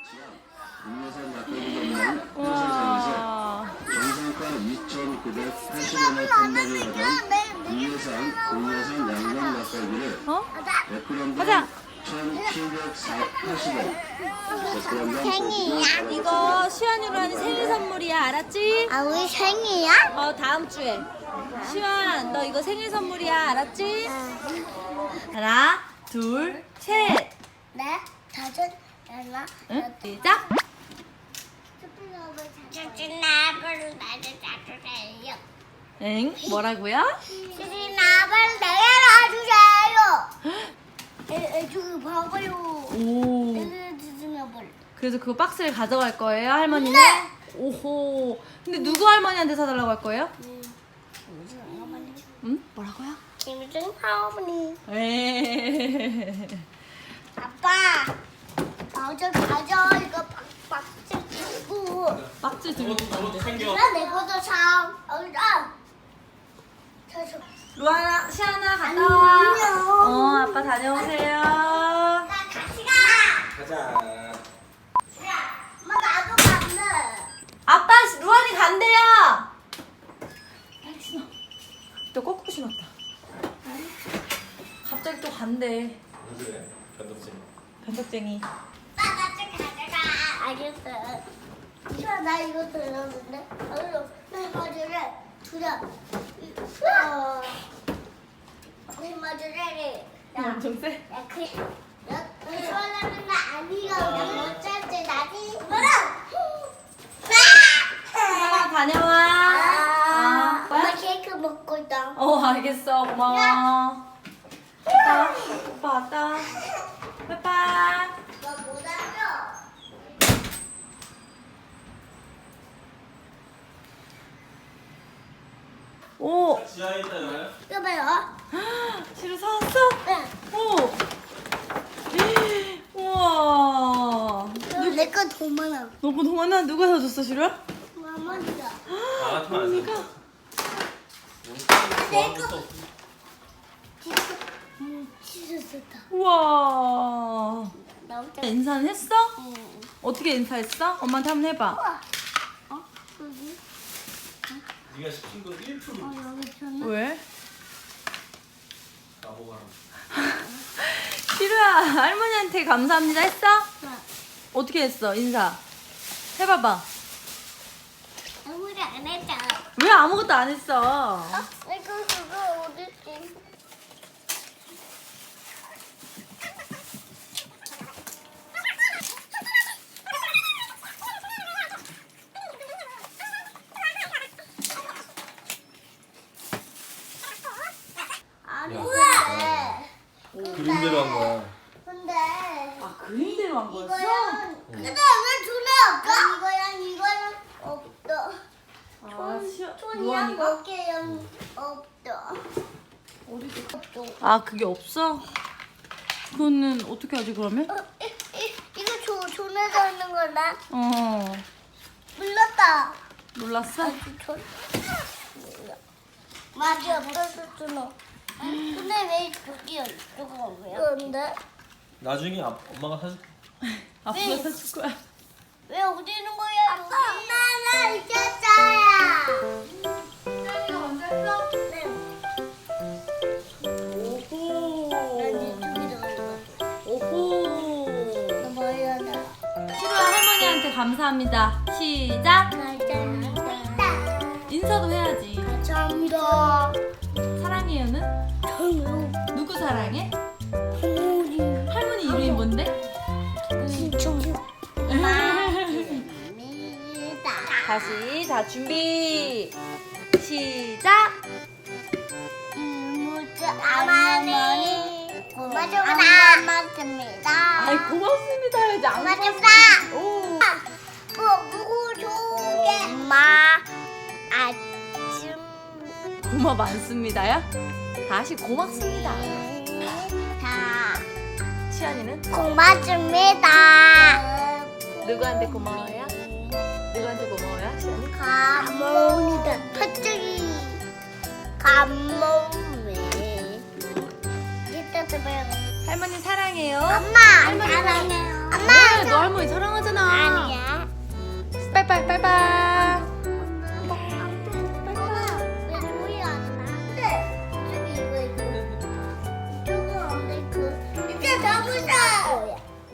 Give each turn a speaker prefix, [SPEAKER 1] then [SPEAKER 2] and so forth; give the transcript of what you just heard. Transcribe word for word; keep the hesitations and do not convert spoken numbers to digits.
[SPEAKER 1] 국내산 막걸리 전문점 회사에서 정상가 이천구백팔십 원에 판매를 하던 국내산, 국내산 양념 막걸리를
[SPEAKER 2] 어?
[SPEAKER 1] 백 그램당
[SPEAKER 2] 가자.
[SPEAKER 1] 천칠백팔십 원.
[SPEAKER 3] 생일이야?
[SPEAKER 2] 이거 시환이로 하는 생일 선물이야, 알았지?
[SPEAKER 3] 아, 우리 생일이야?
[SPEAKER 2] 어, 다음 주에. 시환, 너 이거 생일 선물이야, 알았지? 하나, 둘, 셋.
[SPEAKER 3] 네, 다섯, 여섯,
[SPEAKER 2] 응? 시작.
[SPEAKER 3] 수진아버를 나를 놔주세요.
[SPEAKER 2] 응? 뭐라고요?
[SPEAKER 3] 수진아버를 내게 놔주세요. 에, 에, 저기 봐봐요.
[SPEAKER 2] 오.
[SPEAKER 3] 내게 수진아버를.
[SPEAKER 2] 그래서 그 박스를 가져갈 거예요, 할머니는?
[SPEAKER 3] 네.
[SPEAKER 2] 오호. 근데 누구 할머니한테 사달라고 할 거예요?
[SPEAKER 3] 김수진 할머니.
[SPEAKER 2] 응? 뭐라고요?
[SPEAKER 3] 김수진 할머니.
[SPEAKER 2] 에이.
[SPEAKER 3] 아빠, 어저 가져. 이거 박박스 주고.
[SPEAKER 2] 박스 들고 가는데.
[SPEAKER 3] 나 내 것도 사. 어디다? 저저.
[SPEAKER 2] 루아나, 시아나 갔다 와.
[SPEAKER 3] 안녕.
[SPEAKER 2] 어, 아빠 다녀오세요.
[SPEAKER 3] 나 같이 가.
[SPEAKER 4] 가자.
[SPEAKER 3] 야, 엄마 나도 간대.
[SPEAKER 2] 아빠, 루안이 간대요. 신어. 또 거꾸로 신었다. 갑자기 또 간대.
[SPEAKER 4] 무슨 변덕쟁이.
[SPEAKER 2] 변덕쟁이.
[SPEAKER 3] 나 같이 가져가. 알겠어. 야, 나 이거 들었는데. 어디로? 내 머리를 두려. 어. 내 머리를.
[SPEAKER 2] 엄청 세.
[SPEAKER 3] 야, 그, 야, 그 시원하면 나 아니가 못 찾지, 나지? 뭐라?
[SPEAKER 2] 시아나 다녀와.
[SPEAKER 3] 아,
[SPEAKER 2] 뭐야?
[SPEAKER 3] 엄마 케이크 먹고 있다.
[SPEAKER 2] 어, 알겠어. 고마워. 왔다 와. 오빠 왔다 와. 빠빠.
[SPEAKER 3] 너못 알아?
[SPEAKER 2] 오.
[SPEAKER 4] 지하에 있다 여기.
[SPEAKER 3] 이거 봐요.
[SPEAKER 2] 시루 사왔어?
[SPEAKER 3] 네.
[SPEAKER 2] 오. 우와.
[SPEAKER 3] 내거 더 많아.
[SPEAKER 2] 너무 동안아 누가 사줬어, 시루야?
[SPEAKER 3] 마마니가.
[SPEAKER 4] 아 같으면 안 돼.
[SPEAKER 3] 내거. 음, 치즈였다.
[SPEAKER 2] 우와.
[SPEAKER 3] 나 혼자.
[SPEAKER 2] 인사는 했어?
[SPEAKER 3] 응.
[SPEAKER 2] 어떻게 인사했어? 엄마한테 한번 해봐.
[SPEAKER 3] 우와. 어? 여기?
[SPEAKER 4] 네가 시킨 거 일 퍼센트
[SPEAKER 3] 어, 여기 줬나?
[SPEAKER 2] 왜?
[SPEAKER 4] 나보고 하라.
[SPEAKER 2] 시루야, 할머니한테 감사합니다 했어?
[SPEAKER 3] 네.
[SPEAKER 2] 어떻게 했어, 인사? 해봐봐.
[SPEAKER 3] 아무리 안 했잖아.
[SPEAKER 2] 왜 아무것도 안 했어?
[SPEAKER 3] 어? 이거 그거 어딨지? 아니, 근데.
[SPEAKER 4] 그림대로 한 거야.
[SPEAKER 3] 근데.
[SPEAKER 2] 아, 그림대로 한 거였어?
[SPEAKER 3] 이거랑. 근데 왜 둘이 없어? 이거랑 이거랑 없어.
[SPEAKER 2] 아, 시루,
[SPEAKER 3] 손이랑
[SPEAKER 2] 루안이가?
[SPEAKER 3] 어깨랑 없어.
[SPEAKER 2] 어디서?
[SPEAKER 3] 없어.
[SPEAKER 2] 아, 그게 없어? 그거는 어떻게 하지, 그러면?
[SPEAKER 3] 어, 이, 이, 이거 조, 존에서 있는 거나?
[SPEAKER 2] 어,
[SPEAKER 3] 몰랐다.
[SPEAKER 2] 몰랐어?
[SPEAKER 3] 존. 몰라. 맛이 없었을 줄은. 근데 왜 여기 이쪽은 없어요? 근데
[SPEAKER 4] 나중에 아, 엄마가 사줄게.
[SPEAKER 2] 아빠가 사줄 거야.
[SPEAKER 3] 왜 어디 있는 거야? 아빠, 엄마 나 잊었어요.
[SPEAKER 2] 시루이가 먼저 했어?
[SPEAKER 3] 네.
[SPEAKER 2] 오호.
[SPEAKER 3] 난 이쪽에 들어가.
[SPEAKER 2] 오호.
[SPEAKER 3] 나 뭐야 나.
[SPEAKER 2] 시루야, 할머니한테 감사합니다. 시작.
[SPEAKER 3] 감사합니다.
[SPEAKER 2] 인사도 해야지.
[SPEAKER 3] 감사합니다.
[SPEAKER 2] 사랑해요는?
[SPEAKER 3] 저요.
[SPEAKER 2] 누구 사랑해?
[SPEAKER 3] 할머니.
[SPEAKER 2] 할머니 이름이 뭔데?
[SPEAKER 3] 진짜요. 고맙습니다.
[SPEAKER 2] 다시, 자, 준비. 시작.
[SPEAKER 3] 이모자 할머니 고맙습니다.
[SPEAKER 2] 아이, 고맙습니다. 해야지. 안
[SPEAKER 3] 고맙습니다.
[SPEAKER 2] 오.
[SPEAKER 3] 뭐뭐 좋게 엄마 아침
[SPEAKER 2] 고마 많습니다야? 다시 고맙습니다.
[SPEAKER 3] 다
[SPEAKER 2] 시안이는?
[SPEAKER 3] 고맙습니다.
[SPEAKER 2] 누구한테 고마워요? 누구한테 고마워요, 시안이?
[SPEAKER 3] 감사합니다. 팥죽이 감사해. 이따 또 봐요.
[SPEAKER 2] 할머니 사랑해요.
[SPEAKER 3] 엄마
[SPEAKER 2] 할머니
[SPEAKER 3] 사랑해요.
[SPEAKER 2] 왜?
[SPEAKER 3] 엄마
[SPEAKER 2] 너 할머니 사랑하잖아. 바이바이.